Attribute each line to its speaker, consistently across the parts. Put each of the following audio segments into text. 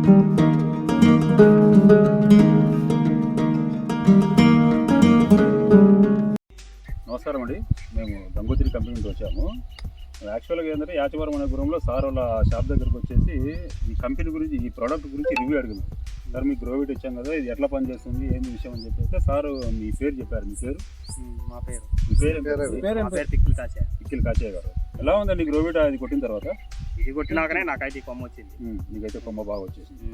Speaker 1: నమస్కారం అండి, మేము గంగోత్రి కంపెనీ నుంచి వచ్చాము. యాక్చువల్గా ఏంటంటే యాచవరం అనే గురంలో సార్ వాళ్ళ షాప్ దగ్గరికి వచ్చేసి ఈ కంపెనీ గురించి, ఈ ప్రోడక్ట్ గురించి రివ్యూ అడిగినాం. సార్ మీకు గ్రోవిట్ ఇచ్చాం కదా, ఇది ఎట్లా పనిచేస్తుంది, ఏంది విషయం అని చెప్పేస్తే సార్ మీ పేరు చెప్పారు. మీ పేరు?
Speaker 2: మా పేరు
Speaker 1: పిక్కిల్ కాచయ్య గారు. ఎలా ఉందండి గ్రోవిట్ అది కొట్టిన తర్వాత?
Speaker 2: ఇది కొట్టినాకనే నాకైతే కొమ్మ వచ్చింది.
Speaker 1: నీకైతే కొమ్మ బాగా వచ్చేసింది.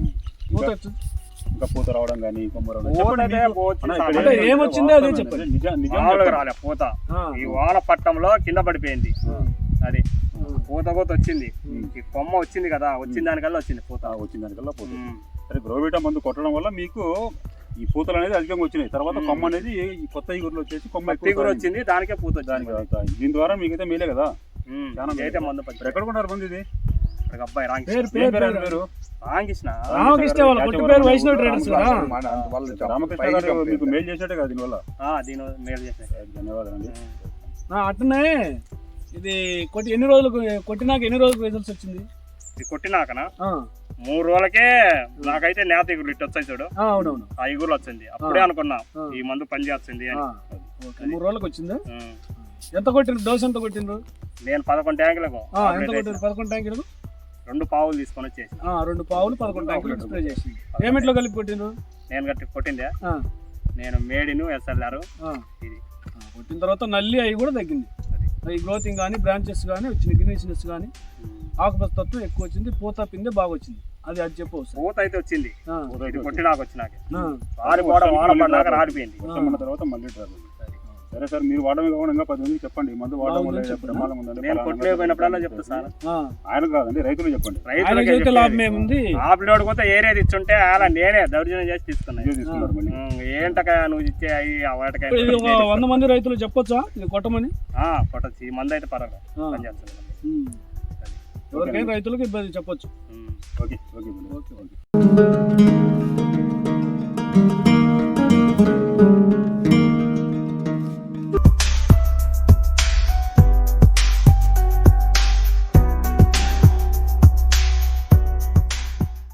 Speaker 1: ఇంకా పూత రావడం కానీ కొమ్మ రావడం
Speaker 2: ఏమొచ్చిందో అదే చెప్పండి. రాలే పూత, ఈ వాన పట్టంలో కింద పడిపోయింది. అది పూత వచ్చింది, ఈ కొమ్మ వచ్చింది కదా, వచ్చిన దానికల్లా వచ్చింది పూత.
Speaker 1: వచ్చిన దానికల్లా పూత. సరే, గ్రోవిటా మందు కొట్టడం వల్ల మీకు ఈ పూతలు అనేది అధికంగా వచ్చినాయి. తర్వాత కొమ్మ అనేది ఈ కొత్త ఈగురులో వచ్చేసి కొమ్మ
Speaker 2: ఈగురు వచ్చింది, దానికే పూత వచ్చింది.
Speaker 1: దీని ద్వారా మీకైతే మేలే కదా.
Speaker 2: అయితే మందు
Speaker 1: ఎక్కడ కొన్నారు మంది? ఇది
Speaker 2: అబ్బాయి
Speaker 1: రామకృష్ణ గారు మీకు మేలు చేసినట్టే కదా దీనివల్ల. ధన్యవాదాలు.
Speaker 3: అట్లనే ఇది ఎన్ని రోజులకు కొట్టినాక ఎన్ని రోజులకు రిజల్ట్స్ వచ్చింది?
Speaker 2: ఇది కొట్టినాకనా 3 రోజులకే నాకైతే నేత ఇగురు ఇటు వచ్చాయి చూడు.
Speaker 3: అవునవును,
Speaker 2: ఆ ఇగురు వచ్చింది. అప్పుడే అనుకున్నా ఈ మందు పని చేస్తుంది అని.
Speaker 3: 3 రోజులకు వచ్చిందా? ఎంత కొట్టిండ్రు? డోస్ ఎంత కొట్టిండ్రు?
Speaker 2: నేను 11 ట్యాంకులకు.
Speaker 3: 11 ట్యాంకులకు
Speaker 2: 2 పావులు తీసుకొని వచ్చేసి
Speaker 3: 2 పావులు 11 ట్యాంకులు స్ప్రే చేసింది. ఏమిట్లో కలిపి కొట్టిండ్రు?
Speaker 2: నేను కొట్టిందే నేను మేడిను ఎస్ఎల్ఆర్ ఇది
Speaker 3: కొట్టిన తర్వాత నల్లి అవి కూడా తగ్గింది. ఈ గ్రోతింగ్ కానీ, బ్రాంచెస్ కానీ వచ్చింది, గ్రీనిష్నెస్ కానీ, ఆకుపచ్చ తత్వం ఎక్కువ వచ్చింది, పూత పిందె బాగా వచ్చింది. అది చెప్పవచ్చు.
Speaker 2: పూత అయితే వచ్చింది, కొట్టినాక వచ్చినాక రాడిపోయింది.
Speaker 1: తర్వాత మళ్ళీ సరే సార్, మీరు వాడమే కాకుండా ఇంకా 10 మందికి చెప్పండి. మందు వాడడం వల్ల ప్రమాదం ఉందండి.
Speaker 2: నేను కొట్టలేకపోయినప్పుడల్లా చెప్తా సార్.
Speaker 1: ఆయన కాదండి, రైతులు చెప్పండి.
Speaker 2: ఆపిలోడు పోతే ఏరేది ఇచ్చుంటే అలా నేనే దౌర్జన్యం చేసి తీసుకున్నాను. ఏంటకాయ నువ్వు ఇచ్చే అవి వాటకాయ
Speaker 3: 100 మంది రైతులు చెప్పొచ్చా ఇది కొట్టమని?
Speaker 2: కొట్టచ్చు. ఈ మంది అయితే పర్వాలేదు, పని చేస్తుంది.
Speaker 3: ఎవరికైనా రైతులకు ఇబ్బంది చెప్పొచ్చు.
Speaker 1: Okay okay okay.